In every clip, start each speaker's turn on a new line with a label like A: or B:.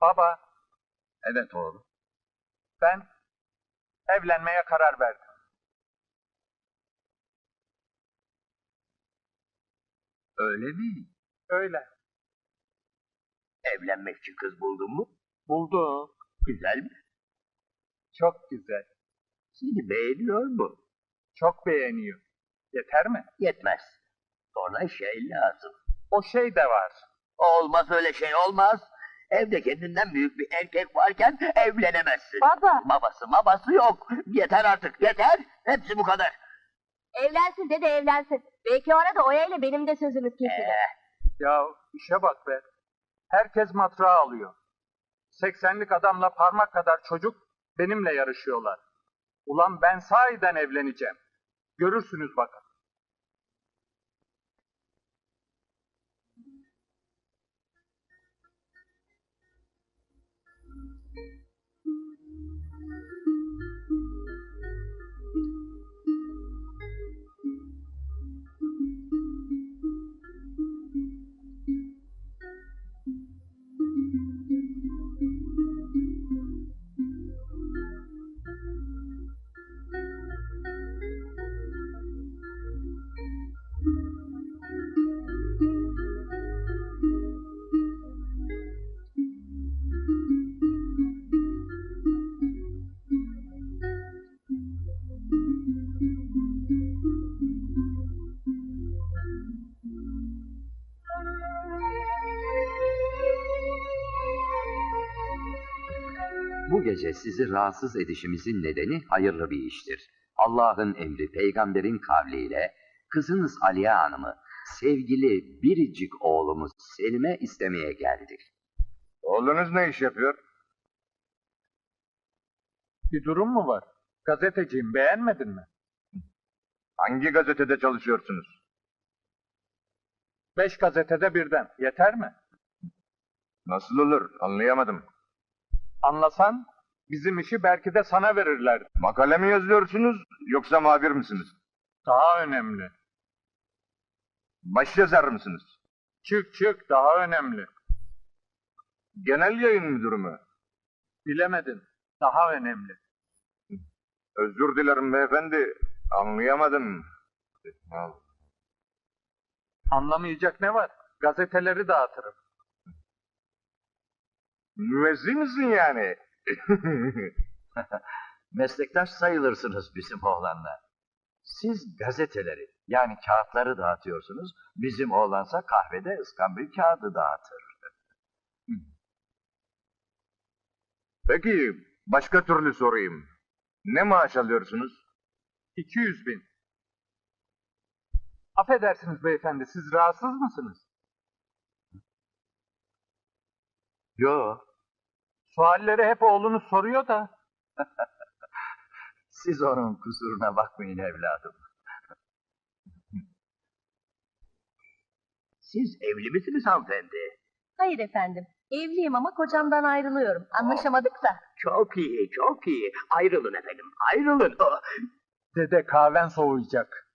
A: Baba,
B: Evet oğlum.
A: ben evlenmeye karar verdim.
B: Öyle mi?
A: Öyle.
B: Evlenmek için kız buldun mu?
A: Buldum.
B: Güzel mi?
A: Çok güzel.
B: Seni beğeniyor mu?
A: Çok beğeniyor. Yeter mi?
B: Yetmez. Sonra şey lazım.
A: O şey de var.
B: Olmaz öyle şey olmaz. Evde kendinden büyük bir erkek varken evlenemezsin.
C: Baba.
B: Babası yok. Yeter artık yeter. Hepsi bu kadar.
C: Evlensin dede evlensin. Belki o arada Oya ile benim de sözümüz kesilir.
A: Ya işe bak be. Herkes matrağı alıyor. 80'lik adamla parmak kadar çocuk benimle yarışıyorlar. Ulan ben sahiden evleneceğim. Görürsünüz bakın.
D: Bu gece sizi rahatsız edişimizin nedeni hayırlı bir iştir. Allah'ın emri peygamberin kavliyle kızınız Aliye Hanım'ı sevgili biricik oğlumuz Selim'e istemeye geldik.
E: Oğlunuz ne iş yapıyor?
A: Bir durum mu var? Gazeteciyim, beğenmedin mi?
E: Hangi gazetede çalışıyorsunuz?
A: 5 gazetede birden. Yeter mi?
E: Nasıl olur? Anlayamadım.
A: Anlasan bizim işi belki de sana verirler.
E: Makale mi yazıyorsunuz yoksa muhabir misiniz?
A: Daha önemli.
E: Başyazar mısınız?
A: Çık daha önemli.
E: Genel yayın müdürü mü?
A: Bilemedin. Daha önemli.
E: Özür dilerim beyefendi. Anlayamadım.
A: Anlamayacak ne var? Gazeteleri dağıtırım.
E: Müezzin misin yani?
B: Meslektaş sayılırsınız bizim oğlanla. Siz gazeteleri yani kağıtları dağıtıyorsunuz. Bizim oğlansa kahvede ıskambil kağıdı dağıtır.
E: Peki başka türlü sorayım. Ne maaş alıyorsunuz?
A: 200.000. Affedersiniz beyefendi, siz rahatsız mısınız?
B: Yo,
A: Sualleri hep oğlunuz soruyor da.
B: siz onun kusuruna bakmayın evladım. Siz evli misiniz hanımefendi?
C: Hayır efendim. Evliyim ama kocamdan ayrılıyorum. Anlaşamadık da.
B: Çok iyi, çok iyi. Ayrılın efendim, ayrılın. Oh.
A: Dede kahven soğuyacak.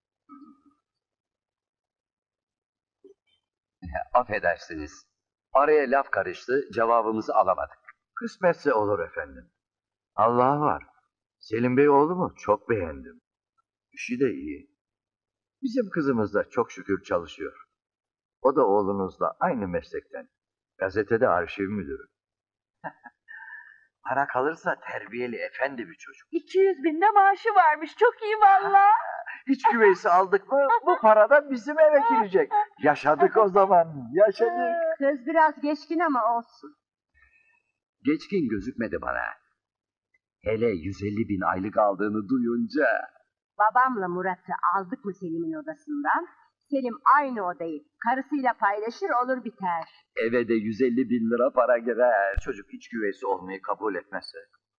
D: Affedersiniz. Araya laf karıştı, cevabımızı alamadık.
B: Kısmetse olur efendim. Allah var. Selim Bey oğlumu çok beğendim. İşi de iyi. Bizim kızımız da çok şükür çalışıyor. O da oğlunuzla aynı meslekten. Gazetede arşiv müdürü. Para kalırsa terbiyeli efendi bir çocuk.
C: 200.000 de maaşı varmış. Çok iyi valla.
B: İç güveysi aldık mı bu para da bizim eve girecek. Yaşadık o zaman, yaşadık.
C: Söz biraz geçkin ama olsun.
D: Geçkin gözükmedi bana. Hele 150.000 aylık aldığını duyunca...
C: Babamla Murat'ı aldık mı Selim'in odasından? Selim aynı odayı karısıyla paylaşır olur biter.
D: Eve de 150.000 lira para girer.
B: Çocuk iç güveysi olmayı kabul etmezse.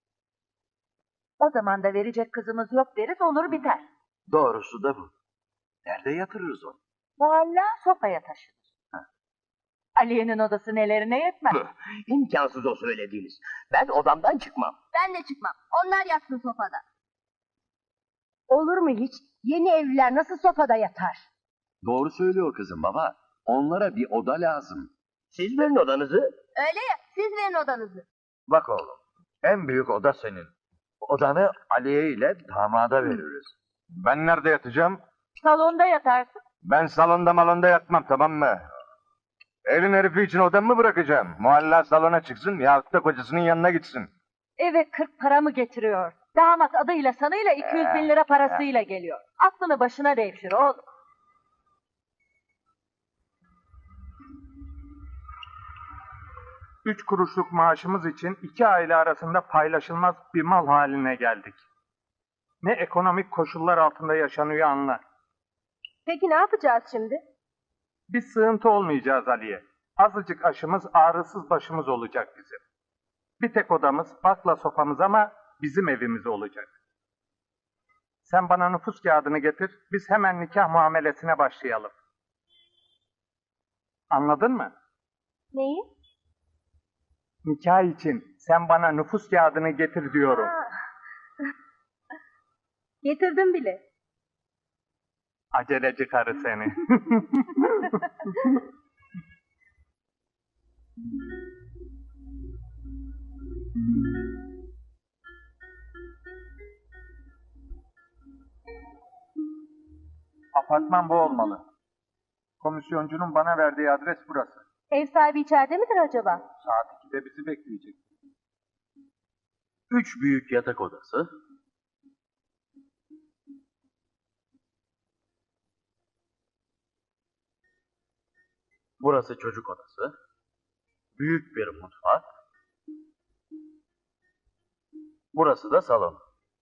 C: O zaman da verecek kızımız yok deriz olur biter.
B: Doğrusu da bu. Nerede yatırırız onu?
C: Muhalla sofaya taşınır. Aliye'nin odası nelerine yetmez.
B: İmkansız o söylediğiniz. Ben odamdan çıkmam.
C: Ben de çıkmam. Onlar yatsın sofada. Olur mu hiç? Yeni evliler nasıl sofada yatar?
D: Doğru söylüyor kızım baba. Onlara bir oda lazım.
B: Siz verin odanızı.
C: Öyle ya, siz verin odanızı.
B: Bak oğlum, en büyük oda senin. Odanı Aliye ile damada veririz.
E: Ben nerede yatacağım?
C: Salonda yatarsın.
E: Ben salonda malonda yatmam, tamam mı? Elin herifi için odamı mı bırakacağım? Muhalla salona çıksın yahut da kocasının yanına gitsin.
F: Eve 40 para mı getiriyor? Damat adıyla sanıyla 200 bin lira parasıyla geliyor. Aklını başına devşir oğlum.
A: 3 kuruşluk maaşımız için 2 aile arasında paylaşılmaz bir mal haline geldik. Ne ekonomik koşullar altında yaşanıyor anla.
C: Peki ne yapacağız şimdi?
A: Bir sığıntı olmayacağız Aliye. Azıcık aşımız ağrısız başımız olacak bizim. Bir tek odamız, bakla sofamız ama bizim evimiz olacak. Sen bana nüfus kağıdını getir, biz hemen nikah muamelesine başlayalım. Anladın mı?
C: Neyi?
A: Nikah için sen bana nüfus kağıdını getir diyorum.
C: Getirdim bile.
A: Aceleci karı seni. Apartman bu olmalı. Komisyoncunun bana verdiği adres burası.
F: Ev sahibi içeride midir acaba?
A: Saat 2'de bizi bekleyecek.
B: 3 büyük yatak odası. Burası çocuk odası. Büyük bir mutfak. Burası da salon.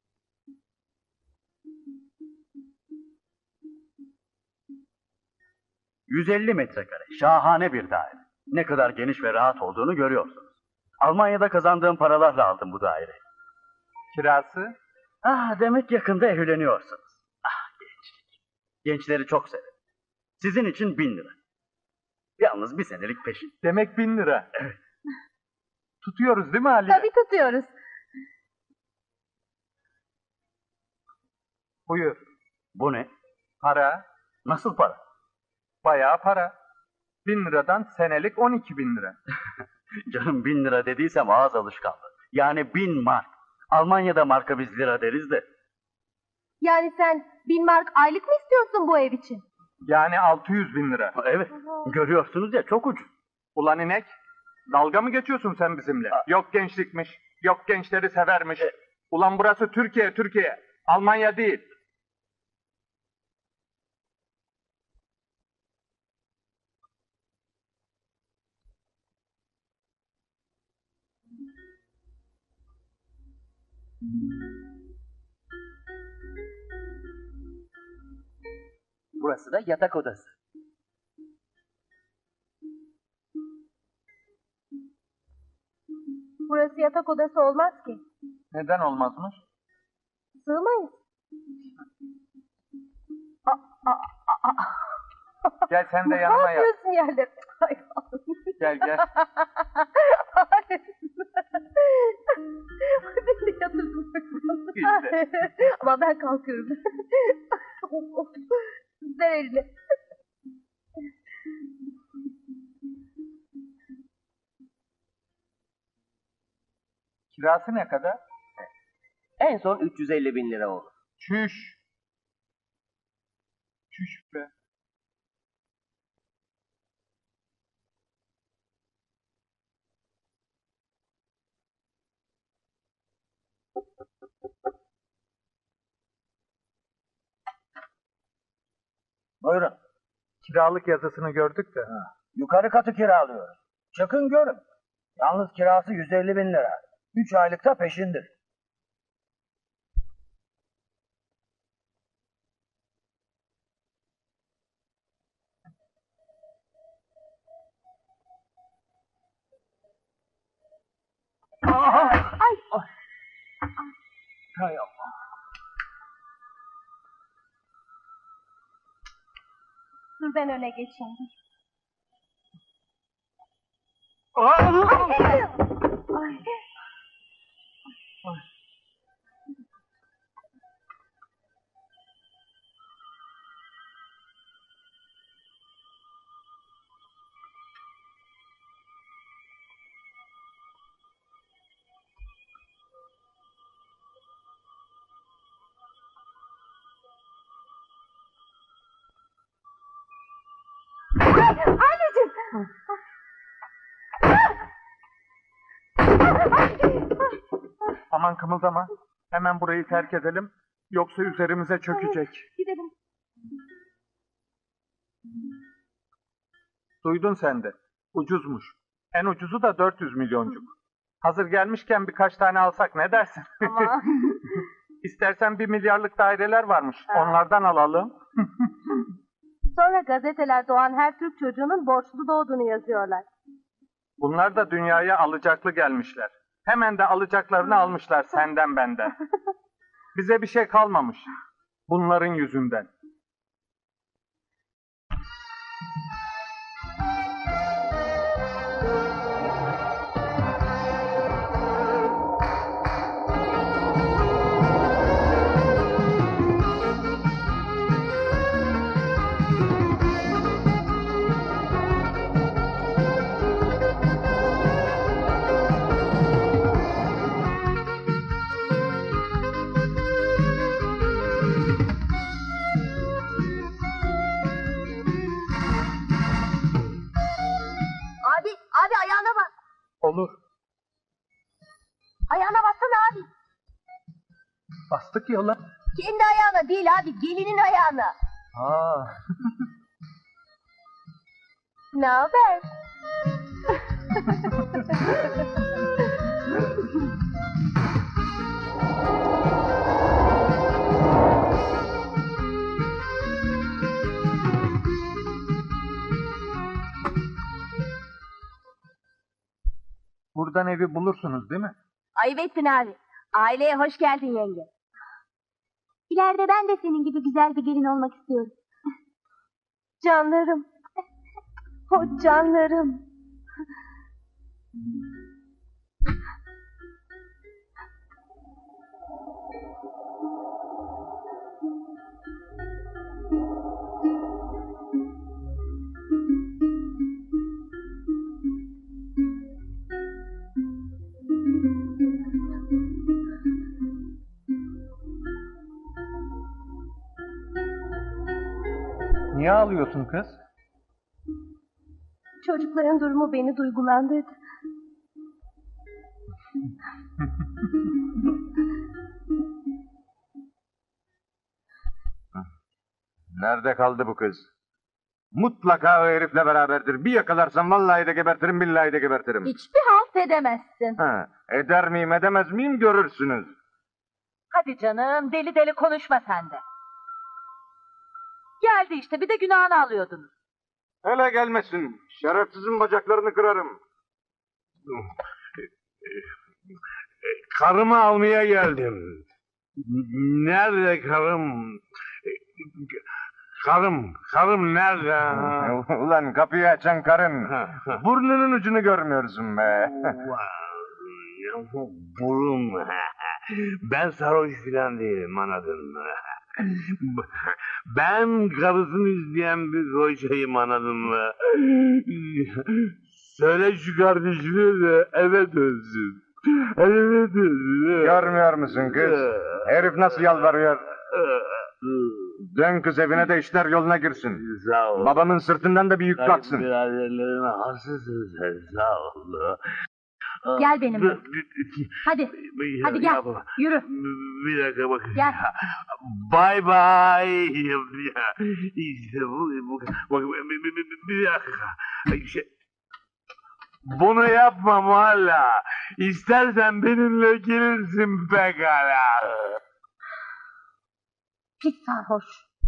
B: ...150 metrekare. Şahane bir daire. Ne kadar geniş ve rahat olduğunu görüyorsunuz. Almanya'da kazandığım paralarla aldım bu daireyi.
A: Kirası?
B: Demek yakında evleniyorsunuz. Gençlik. Gençleri çok severim. Sizin için 1000 lira. Yalnız bir senelik peşin.
A: Demek 1000 lira.
B: Evet.
A: Tutuyoruz değil mi Ali?
F: Tabii tutuyoruz.
A: Buyur.
B: Bu ne?
A: Para.
B: Nasıl para?
A: Bayağı para. 1000 liradan senelik 12.000 lira.
B: Canım 1000 lira dediysem ağız alışkanlığı. Yani 1000 mark. Almanya'da marka biz lira deriz de.
C: Yani sen 1000 mark aylık mı istiyorsun bu ev için?
A: Yani 600.000 lira.
B: Evet. Görüyorsunuz ya, çok ucuz.
A: Ulan inek. Dalga mı geçiyorsun sen bizimle? Yok gençlikmiş. Yok gençleri severmiş. Ulan burası Türkiye, Türkiye. Almanya değil.
G: Burası da yatak odası.
C: Burası yatak odası olmaz ki.
A: Neden olmazmış?
C: Sığmayız.
A: Gel sen de
C: Ne
A: yanıma yat.
C: yapıyorsun yerlere? Ay,
A: Gel gel.
C: Hayır. Beni de yatırdın.
A: İşte.
C: Ama ben kalkıyorum. Ver elini.
A: Kirası ne kadar?
G: En son 350 bin lira olur.
A: Çüş. Çüş be.
H: Buyurun.
A: Kiralık yazısını gördük de.
H: Yukarı katı kiralıyoruz. Çıkın görün. Yalnız kirası 150 bin lira. 3 aylıkta peşindir.
A: Hay Allah.
C: Dur ben öne geçeyim. Ay.
A: Aman kımıldama. Hemen burayı terk edelim. Yoksa üzerimize çökecek.
F: Gidelim.
A: Duydun sen de. Ucuzmuş. En ucuzu da 400 milyoncuk. Hazır gelmişken birkaç tane alsak ne dersin?
C: Ama
A: İstersen 1 milyarlık daireler varmış. Onlardan alalım.
C: sonra gazeteler doğan her Türk çocuğunun borçlu doğduğunu yazıyorlar.
A: Bunlar da dünyaya alacaklı gelmişler. Hemen de alacaklarını almışlar senden benden. Bize bir şey kalmamış. Bunların yüzünden.
C: Abi ayağına bak.
A: Olur.
C: Ayağına baksana abi.
A: Bastık yola.
C: Kendi ayağına değil abi, gelinin ayağına.
A: Aa.
C: Ne haber?
A: Buradan evi bulursunuz değil mi?
C: Ayıp ettin abi. Aileye hoş geldin yenge. İleride ben de senin gibi güzel bir gelin olmak istiyorum. Canlarım. O canlarım.
A: Niye ağlıyorsun kız?
C: Çocukların durumu beni duygulandırdı.
E: Nerede kaldı bu kız? Mutlaka o herifle beraberdir. Bir yakalarsam vallahi de gebertirim, billahi de gebertirim.
F: Hiçbir halt edemezsin.
E: Ha, eder miyim, edemez miyim görürsünüz.
F: Hadi canım, deli deli konuşma sen de. Geldi işte, bir de günahını alıyordunuz.
E: Hele gelmesin. Şerefsizin bacaklarını kırarım.
I: Karımı almaya geldim. Nerede karım? Karım nerede?
E: Ulan kapıyı açan karın. Burnunun ucunu görmüyorsun be.
I: Burum. Ben sarhoş filan değilim, anladın mı? Ben karısını izleyen bir koçayım, anladın mı? Söyle şu kardeşine de eve dönsün. Eve dönsün.
E: Görmüyor musun kız? Herif nasıl yalvarıyor? Dön kız evine de işler yoluna girsin.
I: Sağ ol.
E: Babamın sırtından da bir yük kalksın.
I: Biraderlerime hasısın sen, sağ ol.
F: Gel benimle. Hadi, hadi gel, yürü.
I: Bir dakika bak.
F: Gel.
I: Bye bye. İşte bu bak, bir dakika. Bunu yapma Muhalla. İstersen benimle gelirsin pekala.
F: Pis sarhoş.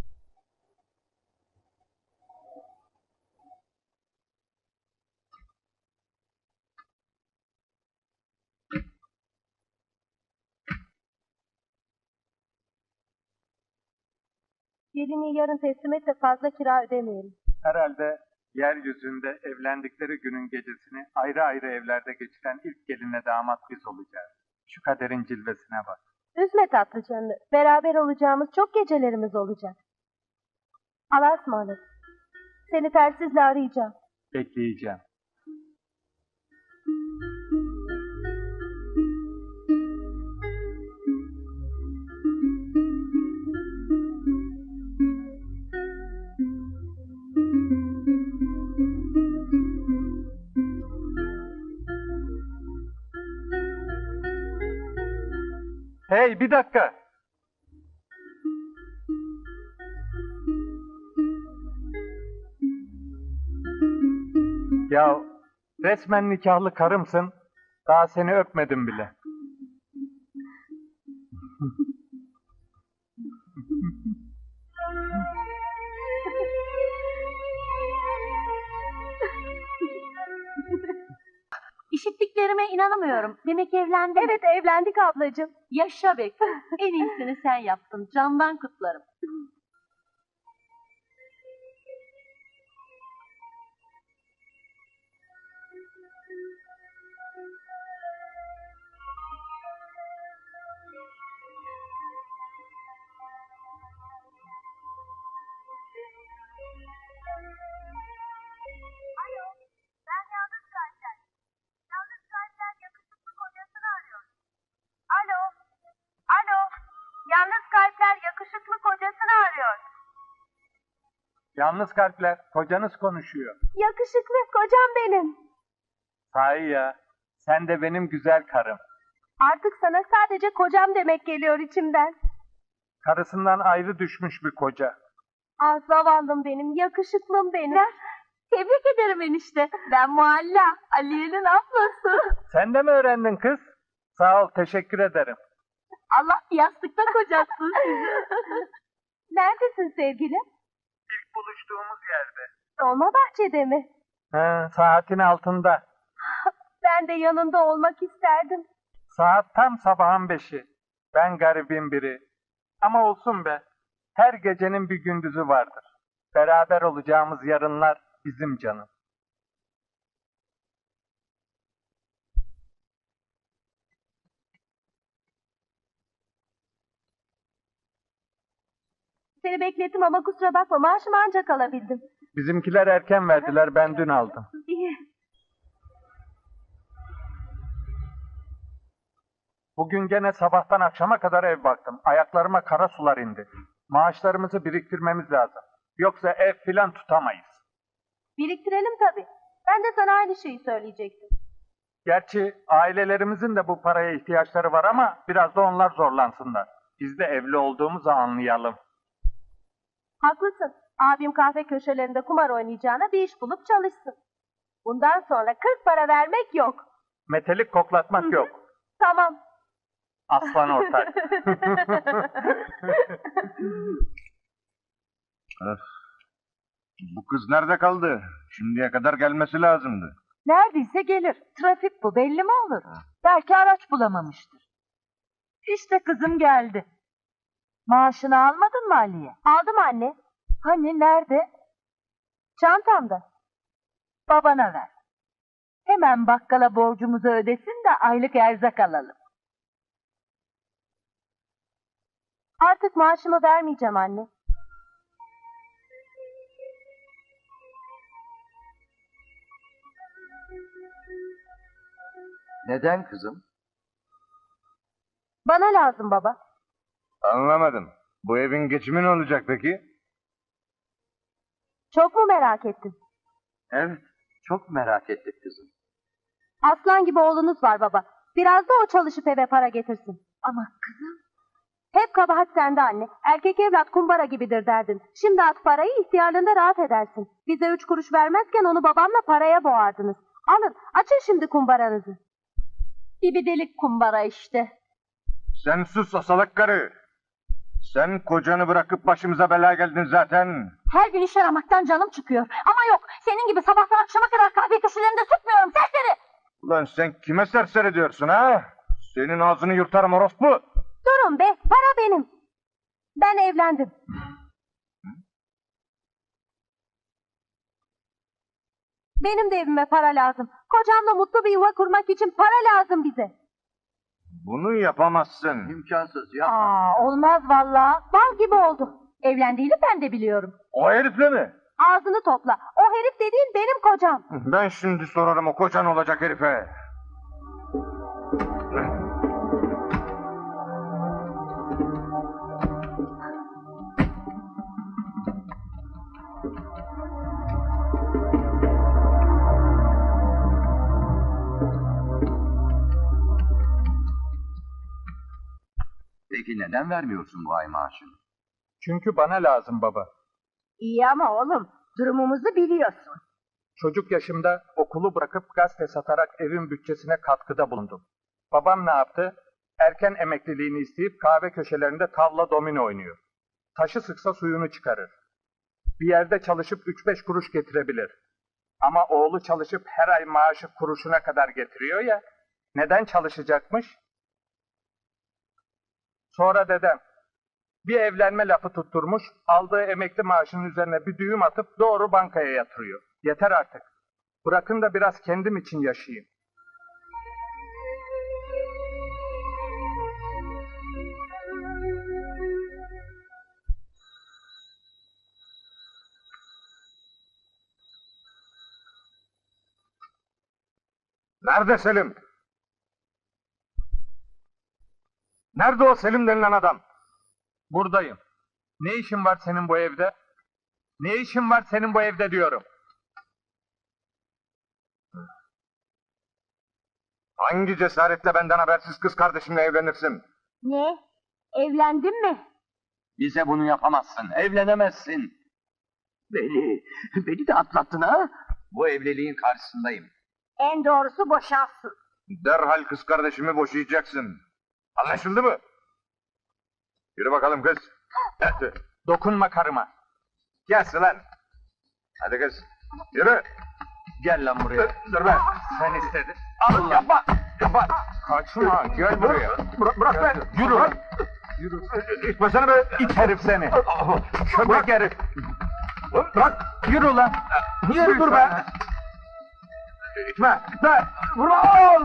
C: Gelini yarın teslim et de fazla kira ödemeyelim.
A: Herhalde yeryüzünde evlendikleri günün gecesini ayrı ayrı evlerde geçiren ilk gelinle damat biz olacağız. Şu kaderin cilvesine bak.
C: Üzme tatlı canını. Beraber olacağımız çok gecelerimiz olacak. Allah'a ısmarladık. Seni tersizle arayacağım.
A: Bekleyeceğim. Hey, bir dakika. Ya resmen nikahlı karımsın. Daha seni öpmedim bile.
F: İşittiklerime inanamıyorum. Demek evlendin.
C: Evet, evlendik ablacığım.
F: Yaşa be kız. En iyisini sen yaptın. Candan kutlarım.
C: Alo. Alo. Yalnız kalpler yakışıklı kocasını arıyor.
A: Yalnız kalpler, kocanız konuşuyor.
C: Yakışıklı kocam benim.
A: Sahi ya, sen de benim güzel karım.
C: Artık sana sadece kocam demek geliyor içimden.
A: Karısından ayrı düşmüş bir koca.
C: Ah zavallım benim, yakışıklım benim.
F: Tebrik ederim enişte. Ben Mualla. Aliye'nin ablası.
A: Sen de mi öğrendin kız? Sağ ol, teşekkür ederim.
F: Allah yastıkta kocatsın sizi.
C: Neredesin sevgilim?
A: İlk buluştuğumuz yerde.
C: Dolma bahçede mi?
A: Saatin altında.
C: Ben de yanında olmak isterdim.
A: Saat tam sabahın 5'i. Ben garibim biri. Ama olsun be. Her gecenin bir gündüzü vardır. Beraber olacağımız yarınlar bizim canım.
C: Seni beklettim ama kusura bakma, maaşımı ancak alabildim.
A: Bizimkiler erken verdiler, ben dün aldım.
C: İyi.
A: Bugün gene sabahtan akşama kadar ev baktım. Ayaklarıma kara sular indi. Maaşlarımızı biriktirmemiz lazım. Yoksa ev filan tutamayız.
C: Biriktirelim tabii. Ben de sana aynı şeyi söyleyecektim.
A: Gerçi ailelerimizin de bu paraya ihtiyaçları var ama biraz da onlar zorlansınlar. Biz de evli olduğumuzu anlayalım.
C: Haklısın. Abim kahve köşelerinde kumar oynayacağına bir iş bulup çalışsın. Bundan sonra 40 para vermek yok.
A: Metelik koklatmak yok.
C: Tamam.
A: Aslan ortak.
E: Bu kız nerede kaldı? Şimdiye kadar gelmesi lazımdı.
F: Neredeyse gelir. Trafik bu, belli mi olur? Belki araç bulamamıştır. İşte kızım geldi. Maaşını almadın mı Aliye?
C: Aldım anne.
F: Hani nerede?
C: Çantamda.
F: Babana ver. Hemen bakkala borcumuzu ödesin de aylık erzak alalım.
C: Artık maaşımı vermeyeceğim anne.
B: Neden kızım?
C: Bana lazım baba.
E: Anlamadım. Bu evin geçimi ne olacak peki?
C: Çok mu merak ettin?
B: Evet, çok merak ettik kızım.
C: Aslan gibi oğlunuz var baba. Biraz da o çalışıp eve para getirsin.
F: Ama kızım...
C: Hep kabahat sende anne. Erkek evlat kumbara gibidir derdin. Şimdi at parayı, ihtiyarlığında rahat edersin. Bize 3 kuruş vermezken onu babamla paraya boğardınız. Alın, açın şimdi kumbaranızı.
F: İbidelik kumbara işte.
E: Sen sus asalak karı. Sen kocanı bırakıp başımıza bela geldin zaten.
F: Her gün iş aramaktan canım çıkıyor. Ama yok, senin gibi sabahtan akşama kadar kahve köşelerinde tutmuyorum serseri.
E: Ulan sen kime serseri diyorsun ha? Senin ağzını yırtarım orospu.
C: Durun be, para benim. Ben evlendim. Benim de evime para lazım. Kocamla mutlu bir yuva kurmak için para lazım bize.
E: Bunu yapamazsın.
B: İmkansız, yapma.
F: Olmaz vallahi.
C: Bal gibi oldu.
F: Evlendiğini ben de biliyorum.
E: O herifle mi?
C: Ağzını topla. O herif dediğin benim kocam.
E: Ben şimdi sorarım o kocan olacak herife.
D: Peki neden vermiyorsun bu ay maaşını?
A: Çünkü bana lazım baba.
F: İyi ama oğlum, durumumuzu biliyorsun.
A: Çocuk yaşımda okulu bırakıp gazete satarak evin bütçesine katkıda bulundum. Babam ne yaptı? Erken emekliliğini isteyip kahve köşelerinde tavla domino oynuyor. Taşı sıksa suyunu çıkarır. Bir yerde çalışıp 3-5 kuruş getirebilir. Ama oğlu çalışıp her ay maaşı kuruşuna kadar getiriyor ya, neden çalışacakmış? Sonra dedem bir evlenme lafı tutturmuş, aldığı emekli maaşının üzerine bir düğüm atıp doğru bankaya yatırıyor. Yeter artık. Bırakın da biraz kendim için yaşayayım.
E: Nerede Selim? Nerede o Selim denilen adam?
A: Buradayım. Ne işin var senin bu evde? Ne işin var senin bu evde diyorum.
E: Hangi cesaretle benden habersiz kız kardeşimle evlenirsin?
F: Ne? Evlendin mi?
D: Bize bunu yapamazsın, evlenemezsin. Beni de atlattın ha? Bu evliliğin karşısındayım.
F: En doğrusu boşansın.
E: Derhal kız kardeşimi boşayacaksın. Anlaşıldı mı? Yürü bakalım kız. Hadi.
A: Dokunma karıma.
E: Gelsin lan. Hadi kız. Yürü.
A: Gel lan buraya.
E: Dur be.
A: Sen istedin.
E: Al yapma. Yapma.
A: Kaçma, gel buraya.
E: Bırak be.
A: Yürü
E: Bırak.
A: lan. Yürü.
E: İtmesene be.
A: İt herif seni. Köpek herif.
E: Bırak.
A: Yürü lan.
E: Yürü dur be. İtme. İtme. Vurma.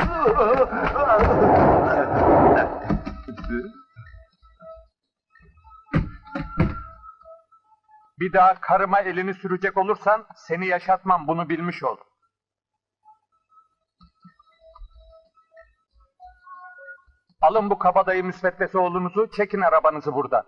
A: Bir daha karıma elini sürecek olursan seni yaşatmam, bunu bilmiş ol. Alın bu kabadayı müsveddesi oğlunuzu, çekin arabanızı buradan.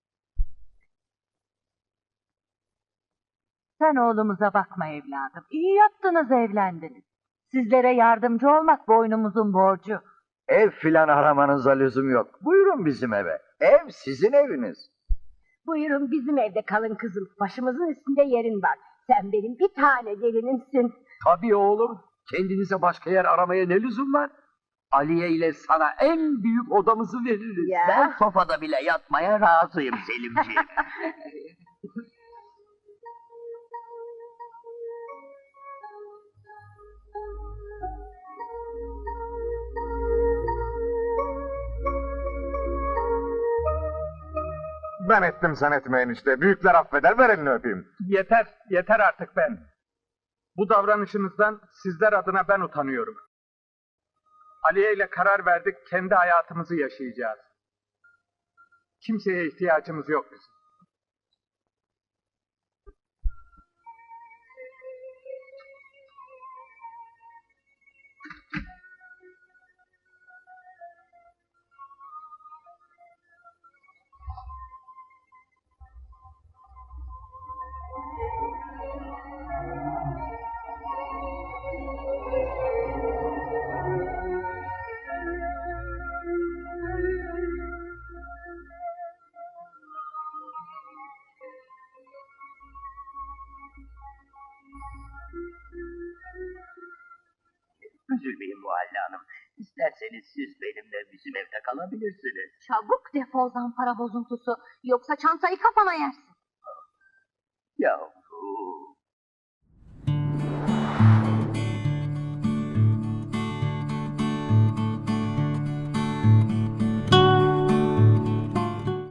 F: Sen oğlumuza bakma evladım. İyi yaptınız, evlendiniz. Sizlere yardımcı olmak boynumuzun borcu.
B: Ev filan aramanıza lüzum yok. Buyurun bizim eve. Ev sizin eviniz.
F: Buyurun bizim evde kalın kızım. Başımızın üstünde yerin var. Sen benim bir tane gelinimsin.
D: Tabii oğlum, kendinize başka yer aramaya ne lüzum var? Aliye ile sana en büyük odamızı veririz.
F: Ya.
D: Ben sofada bile yatmaya razıyım Selimciğim.
E: Ben ettim sen etmeyin işte. Büyükler affeder, ver elini öpeyim.
A: Yeter, yeter artık ben. Bu davranışınızdan sizler adına ben utanıyorum. Aliye ile karar verdik, kendi hayatımızı yaşayacağız. Kimseye ihtiyacımız yok bizim.
G: Üzülmeyin Muhalle Hanım. İsterseniz siz benimle bizim evde kalabilirsiniz.
C: Çabuk defol zampara bozuntusu. Yoksa çantayı kafana yersin.
G: Ya